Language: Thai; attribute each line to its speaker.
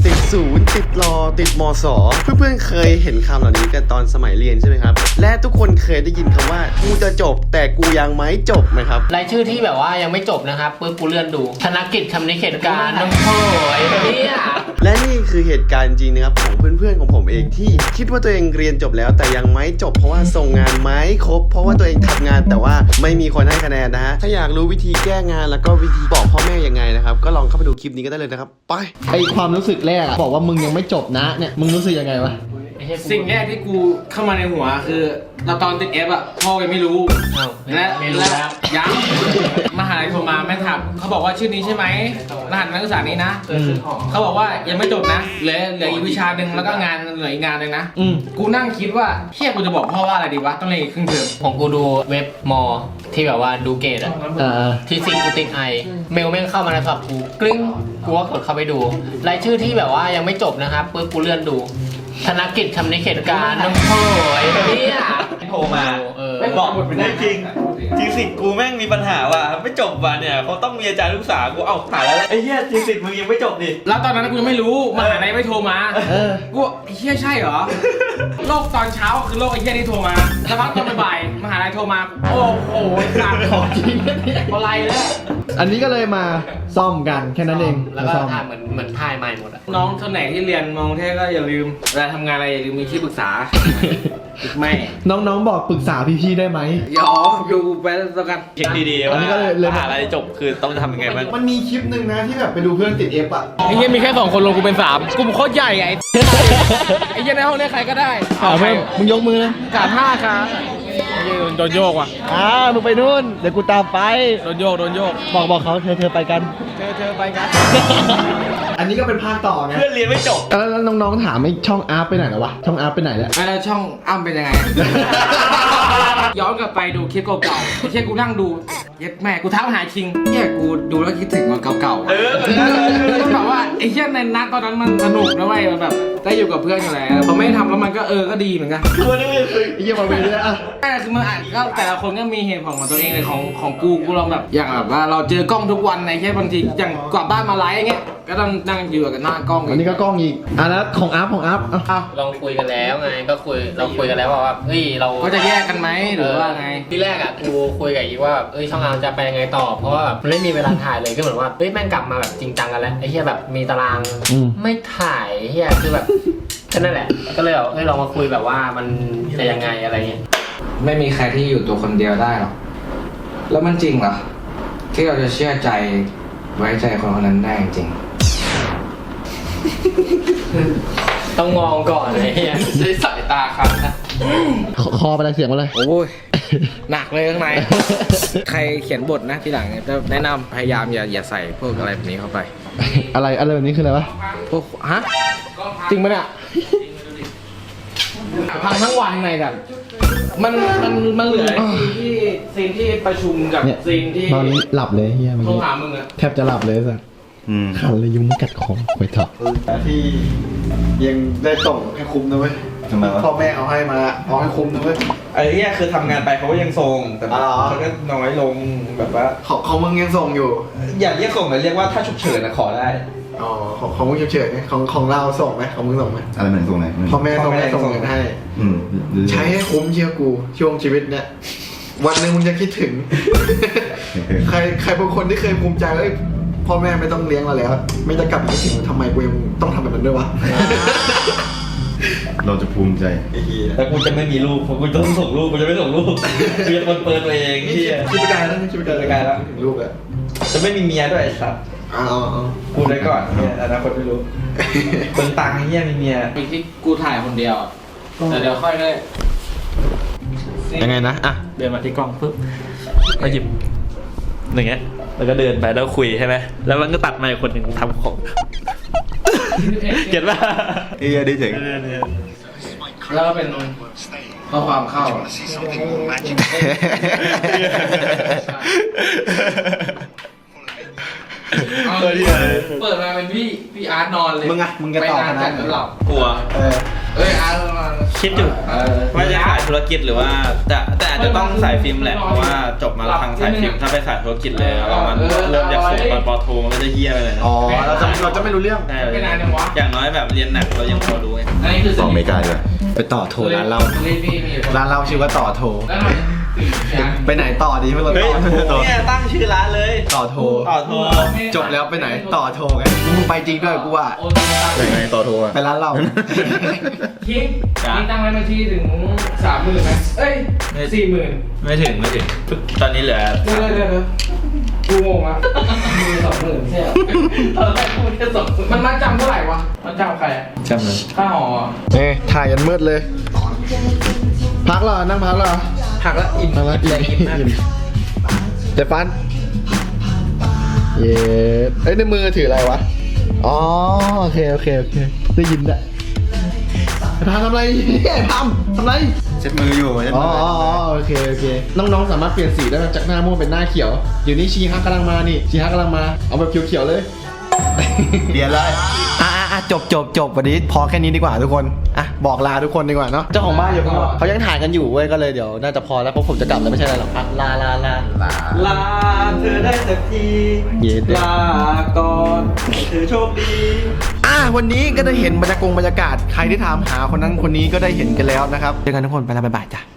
Speaker 1: ติดศูนย์ติดรอติดมสเพื่อนๆเคยเห็นคำเหล่านี้กันตอนสมัยเรียนใช่ไหมครับและทุกคนเคยได้ยินคำว่ากูจะจบแต่กูยังไม่จบไหมครับ
Speaker 2: รายชื่อที่แบบว่ายังไม่จบนะครับปุ๊บกูเลื่อนดูธนกิจคำนิเขตการน้องโถ่ไอ้เนี่ย
Speaker 1: และนี่คือเหตุการณ์จริงนะครับของเพื่อนๆของผมเองที่คิดว่าตัวเองเรียนจบแล้วแต่ยังไม่จบเพราะว่าส่งงานไม่ครบเพราะว่าตัวเองทำงานแต่ว่าไม่มีคนให้คะแนนนะฮะถ้าอยากรู้วิธีแก้งานแล้วก็วิธีบอกพ่อแม่ยังไงนะครับก็ลองเข้าไปดูคลิปนี้ก็ได้เลยนะครับไป
Speaker 3: ไอความรู้สึกแรกบอกว่ามึงยังไม่จบนะเนี่ยมึงรู้สึกยังไงวะ
Speaker 4: สิ่งแรกที่กูเข้ามาในหัวคือเราตอนติดเอฟอ่ะพ่อยังไม่รู้และยังมหาลัยโทรมาแม่ถามเขาบอกว่าชื่อนี้ใช่ไหมรหัสนักศึกษานี้นะเขาบอกว่ายังไม่จบนะเหลืออีกวิชาหนึ่งแล้วก็งานเหลืออีกงานหนึ่งนะกูนั่งคิดว่าเชี่ยกูจะบอกพ่อว่าอะไรดีวะต้องเรียนอีกครึ่งเทอม
Speaker 2: ของกูดูเว็บมอที่แบบว่าดูเกรดอะที่ซิงกูติดไอเมลแม่งเข้ามาในโทรศัพท์กูกลิ้งกูก็กดเข้าไปดูรายชื่อที่แบบว่ายังไม่จบนะครับปุ๊บกูเลื่อนดูธนกิจคำนิเขตการน้องโถ่ไอ้เนี่ย
Speaker 5: โทรมาบอกหมดเป็นจริงจริงสิกูแม่งมีปัญหาว่ะไม่จบว่ะเนี่ยเขาต้องมีอาจารย์ลูกสาวกูเอาถ่ายแล้วไอ้เหี้ยจริงสิมึงยังไม่จบดิ
Speaker 4: แล้วตอนนั้นกูยังไม่รู้มหาลัยไม่โทรมากูไอ้เหี้ยใช่เหรอโลกตอนเช้าคือโลกไอ้เหี้ยที่โทรมาแล้วพักตอนบ่ายมหาลัยโทรมาโอ้โหขาดของจริงอะไรแล้ว
Speaker 3: อันนี้ก็เลยมาซ่อมกันแค่นั้นเอง
Speaker 2: แล้วก็ถ่ายเหมือนถ่ายใหม่หมดอะ
Speaker 4: น้องคนไหนที่เรียนมองเทศก็อย่าลืมเวลาทำงานอะไรอย่าลืมมีที่ปรึกษาแม่
Speaker 3: น้องๆบอกปรึกษาพี่ๆได้ไหม
Speaker 4: ยอมอยู่ไปแล้วกัน
Speaker 5: เช็คดีๆว่าหาอะไรจบคือต้องทำยังไงบ้าง
Speaker 3: มันมีคลิปหนึ่งนะที่แบบไปดูเพื่อนติดเอฟอ่ะ
Speaker 4: ไอ้เหี้ยมีแค่2คนลงกูเป็น3กูโคตรใหญ่ไอ้เหี้ยในห้องนี้ใครก็ได้
Speaker 3: มึงยกมือนะ
Speaker 4: 35ครับโดนโยกว่ะ
Speaker 3: มึงไปนู่นเดี๋ยวกูตามไป
Speaker 4: โดนโยก
Speaker 3: บอกเขาเธอไปกัน
Speaker 4: เธอไปกัน
Speaker 3: อันนี้ก็เป็นภาคต่อนะ
Speaker 5: เพื่อนเรียนไม่จบ
Speaker 3: แล้วน้องๆถามไอ้ช่องอาร์ไปไหนแล้ววะช่องอาร์ไปไหนแล้ว
Speaker 4: แล้วช่องอ้ำเป็นยังไงย้อนกลับไปดูคลิปเก่าๆไอ้เชี่ยกูนั่งดูเย็ดแม่กูท้าหาคิงเนี่ยกูดูแล้วคิดถึงมันเก่าๆต้องบอกว่าไอ้เชี่ยในนัดตอนนั้นมันสนุกนะเว้ยมันแบบได้อยู่กับเพื่อนอยู่แล้วพอไม่ทำแล้วมันก็ก็ดีเหมือนกัน
Speaker 3: ตัวนี้ไอ้เหี้ยมาเวรอ่ะ
Speaker 4: แต่คือมันก็แต่ละคนก็มีเหตุผลของตัวเองเลยของกูลองแบบอย่างแบบว่าเราเจอกล้องทุกวันไอ้เชี่ยบางทีอย่างกลับบ้านมาไลฟ์อย่างเงี้ยก็ต้องนั่งอยู่กับหน้ากล้อง
Speaker 3: อันนี้ก็กล้องอีกแล้วของอัพ
Speaker 2: ลองคุยกันแล้วไงก็เราคุยกันแล้วว่าเฮ้ยเรา
Speaker 4: ก็จะแยกกันไหมหรือว่าไง
Speaker 2: ที่แรกอ่ะกูคุยกับอีว่าช่องอาร์จะไปยังไงต่อเพราะว่ามันไม่มีเวลาถ่ายเลยก็เหมือนว่าแม่งกลับมาแบบจริงจังกันแล้วไอ้เหี้ยแบบมีตารางไม่ถ่ายเหี้ยคือแบบแค่นั้นแหละก็เลยลองมาคุยแบบว่ามันจะยังไงอะไรเงี้ย
Speaker 4: ไม่มีใครที่อยู่ตัวคนเดียวได้หรอกแล้วมันจริงเหรอที่เราจะเชื่อใจไว้ใจคนคนนั้นได้จริง
Speaker 2: ต้องมองก่อนไอ้เหี้ยใช้สายตาครับนะ
Speaker 3: คอไปอะไรเสียงมาเลย
Speaker 4: โอ้ยหนักเลยข้างในใครเขียนบทนะทีหลังจะแนะนำพยายามอย่าใส่พวกอะไรแบบนี้เข้าไป
Speaker 3: อะไรแบบนี้คืออะไรวะ
Speaker 4: พวกจริงปะเนี่ยพังทั้งวันไงกันมันเหลือซีนที่ประชุมกับซีนที่
Speaker 3: ตอนนี้หลับเลยเฮีย
Speaker 4: โทรหามึงอะ
Speaker 3: แทบจะหลับเลยสัสขันเลยยุงกัดคอไปเถอะที่ยังได้ส่งให้คุ้มนะเว้ยพ่อแม่เอาให้มาเอาให้คุ้มนะเว้ย
Speaker 5: ไอ้เนี่ยคือทำงานไปเขาก็ยังส่งแต่เขาก็น้อยลงแบบว่า
Speaker 3: ของมึงยังส่งอยู่
Speaker 5: อย่าเรียกส่งเลยเรียกว่าถ้าฉุกเฉินนะขอได้
Speaker 3: ของมึงฉุกเฉินไงของเราส่งไหมของมึงส่งไหม
Speaker 6: อะไรเหมือนส่งไหน
Speaker 3: พ่อแม่ส่งเงินให้ใช้ให้คุ้มเชื่อกูช่วงชีวิตเนี่ยวันหนึ่งมึงจะคิดถึงใครบางคนที่เคยภูมิใจว่าพ่อแม่ไม่ต้องเลี้ยงเราแล้วไม่จะกลับมาคิดถึงทำไมกูยังต้องทำแบบนั้นด้วยวะ
Speaker 6: เราจะภูมิใจ
Speaker 5: แต่กูจะไม่มีลูกเพราะกูต้องส่งลูกกูจะไม่ส่งลูกกูจะเปิดตัวเองที่
Speaker 3: คิดไปไกลแล้วคิดไปไกลแล้วลูกอะ
Speaker 5: จะไม่มีเมียด้วยไอ้สัตว์พูดไว้ก่อนเนี่ยอนาคตไม่รู้เบิ่งตังค์เฮียมีเมีย
Speaker 4: มีที่กูถ่ายคนเดียวแต่เดี๋ยวค่อยได้
Speaker 3: ยังไงนะ
Speaker 5: เดินมาที่กล้องปุ๊บก็หยิบอย่างเงี้ยแล้วก็เดินไปแล้วคุยใช่ไหมแล้วมันก็ตัดมาคนหนึ่งทำของเก็ตป่ะ
Speaker 6: ดีเจ๋ง
Speaker 4: แล้วก็เป็นข้อความเข้าเอา
Speaker 1: เออเหี้ยเลย
Speaker 4: เปิดมาเป็นพี่อาร์ตนอนเลย
Speaker 3: มึงอะมึงจะตอบ
Speaker 4: ไป
Speaker 3: ข
Speaker 4: นาน
Speaker 3: นา
Speaker 4: จั
Speaker 3: ด
Speaker 4: ด
Speaker 3: นั้น
Speaker 4: หลับ
Speaker 5: กลัว
Speaker 4: เอ้ยอาร์ตนอน
Speaker 5: คิดอยู่ว่าจะขายธุรกิจหรือว่าแต่อาจจะต้องสายฟิล์มแหละเพราะว่าจบมาทางสายฟิล์มถ้าไปสายธุรกิจเลยแล้วมันเริ่มจากศูนย์ตอนปโทมันก็จะเฮี้ยไปเลยนะ
Speaker 3: อ๋อเราจะไม่รู้เรื่อง
Speaker 5: ใช่
Speaker 4: ไปนานจังวะ
Speaker 5: อย่างน้อยแบบเรียนหนักเรายังพอรู้ไง
Speaker 4: อันนี้คือ
Speaker 6: สองอเมริกาด้วย
Speaker 3: ไปต่อโทรร้านเรา
Speaker 4: รีบมีอยู่
Speaker 3: ร้านเราชื่อว่าต่อโทร
Speaker 4: แล้วมันตื่น
Speaker 3: ไปไหนต่อดีเมื่อ
Speaker 5: เฮ้ย
Speaker 3: ต่อ
Speaker 5: เนี่ยตั้งชื่อร้านเลย
Speaker 3: ต่อโทร
Speaker 5: ต่อโทร
Speaker 3: จบแล้วไปไหนต่อโทรไงมึงไปจริงด้วยกูว่า
Speaker 4: โอนตังค์
Speaker 6: ยังไงต่อโทรอ่ะ
Speaker 3: ไปร้านเรา
Speaker 4: คิงตั้งไว้บัญชีถึง30,000ไหมเอ้ย40,000
Speaker 5: ไม่ถึงตอนนี้เหลือ
Speaker 4: เดี๋ยวกูงงอะมี20,000ใช่เหรอตอนแรกพูดแค่20,000มันจำเท่าไหร่วะมันจำใครอะ
Speaker 5: จำเลย
Speaker 4: ค่าหอ
Speaker 3: นี่ถ่ายกันมืดเลย พักเหรอนั่งพักเหรอ
Speaker 4: หักแล้วอิ่ม
Speaker 3: พักแล้วอิ่มเดฟันเย้เอ้ยในมือถืออะไรวะอ๋อโอเคได้ยินแหละพามทำอะไรเนี่ยพามทำอะไร
Speaker 6: เช็ดมืออยู่เช็ด
Speaker 3: อ๋
Speaker 6: มื
Speaker 3: อโอเคน้องๆสามารถเปลี่ยนสีได้จากหน้าม่วงเป็นหน้าเขียวเดี๋ยวนี้ชีฮักกำลังมานี่ชีฮักกำลังมาเอาแบบเขียวๆเลย
Speaker 6: เปลี่ยนเลย
Speaker 3: จบวันนี้พอแค่นี้ดีกว่าทุกคนอ่ะบอกลาทุกคนดีกว่าเนาะเจ้าของบ้านอยู่ข้างนอกเขายังถ่ายกันอยู่เว้ยก็เลยเดี๋ยวน่าจะพอแล้วเพราะผมจะกลับแล้วไม่ใช่อะไรหรอกอ่ะลา
Speaker 5: ลาเธอได้สักที
Speaker 3: เย็น
Speaker 5: ลาก่อนเธอโชคดี
Speaker 3: วันนี้ก็ได้เห็นบรรยากาศใครที่ถามหาคนนั้นคนนี้ก็ได้เห็นกันแล้วนะครับเจอกันทุกคนไปแล้วบ๊ายบายจ้ะ